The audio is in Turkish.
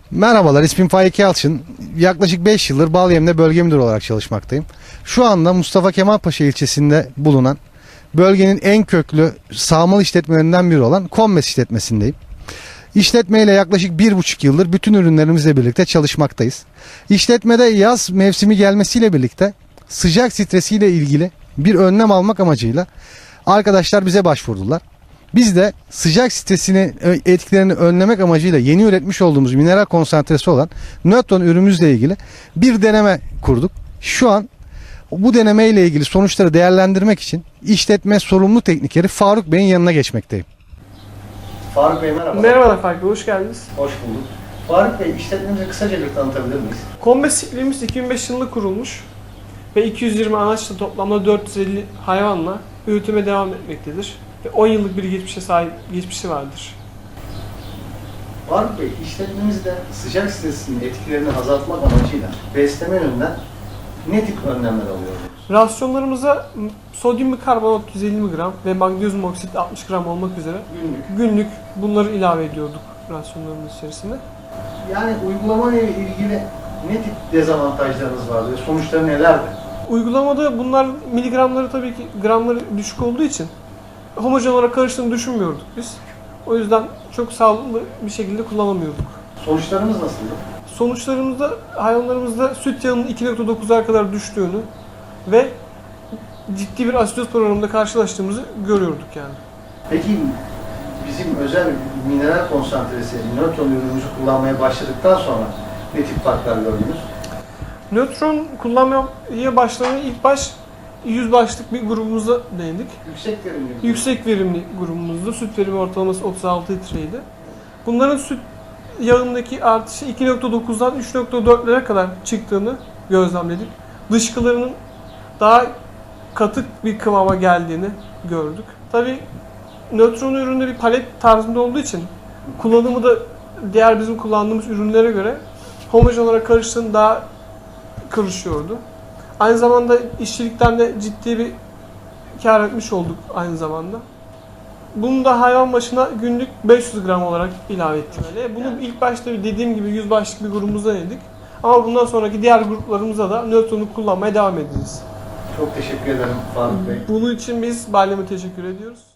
Merhabalar, ismim Faik Yalçın. Yaklaşık 5 yıldır Balyem'de bölge müdürü olarak çalışmaktayım. Şu anda Mustafa Kemal Paşa ilçesinde bulunan bölgenin en köklü sağmal işletmelerinden biri olan Kommes işletmesindeyim. İşletmeyle yaklaşık 1,5 yıldır bütün ürünlerimizle birlikte çalışmaktayız. İşletmede yaz mevsimi gelmesiyle birlikte sıcak stresiyle ilgili bir önlem almak amacıyla arkadaşlar bize başvurdular. Biz de sıcak stresini etkilerini önlemek amacıyla yeni üretmiş olduğumuz mineral konsantresi olan nötron ürünümüzle ilgili bir deneme kurduk. Şu an bu deneme ile ilgili sonuçları değerlendirmek için işletme sorumlu teknikeri Faruk Bey'in yanına geçmekteyim. Faruk Bey merhaba. Merhabalar Faruk Bey, hoş geldiniz. Hoş bulduk. Faruk Bey, işletmemizi kısaca bir tanıtabilir miyiz? Kommes çiftliğimiz 2005 yılında kurulmuş ve 220 anaçla toplamda 450 hayvanla üretime devam etmektedir. Ve 10 yıllık bir geçmişi vardır. Faruk Bey, işletmemizde sıcak stresinin etkilerini azaltmak amacıyla besleme yönünden ne tip önlemler alıyoruz? Rasyonlarımıza sodyum bikarbonat 150 mg ve magnezyum oksit 60 gram olmak üzere günlük bunları ilave ediyorduk rasyonlarımız içerisinde. Yani uygulama ile ilgili ne tip dezavantajlarınız vardı? Sonuçları nelerdi? Uygulamada bunlar miligramları tabii ki gramları düşük olduğu için homojen olarak karıştığını düşünmüyorduk biz. O yüzden çok sağlıklı bir şekilde kullanamıyorduk. Sonuçlarımız nasıldı? Sonuçlarımızda hayvanlarımızda süt yağının 2.9'a kadar düştüğünü ve ciddi bir asitoz programında karşılaştığımızı görüyorduk yani. Peki bizim özel mineral konsantresi, nötron ürünümüzü kullanmaya başladıktan sonra ne tip farklar gördünüz? Nötron kullanmaya başlamaya ilk baş 100 başlık bir grubumuza değindik. Yüksek verimli. Yüksek verimli grubumuzda süt verimi ortalaması 36 litreydi. Bunların süt yağındaki artışı 2.9'dan 3.4'lere kadar çıktığını gözlemledik. Dışkılarının daha katık bir kıvama geldiğini gördük. Tabii nötron üründe bir palet tarzında olduğu için kullanımı da diğer bizim kullandığımız ürünlere göre homojen olarak karıştığında daha karışıyordu. Aynı zamanda işçilikten de ciddi bir kar etmiş olduk aynı zamanda. Bunu da hayvan başına günlük 500 gram olarak ilave ettik. Bunu ilk başta dediğim gibi 100 başlık bir grubumuzdan yedik. Ama bundan sonraki diğer gruplarımıza da nötronu kullanmaya devam edeceğiz. Çok teşekkür ederim Faruk Bey. Bunun için biz Balyem'e teşekkür ediyoruz.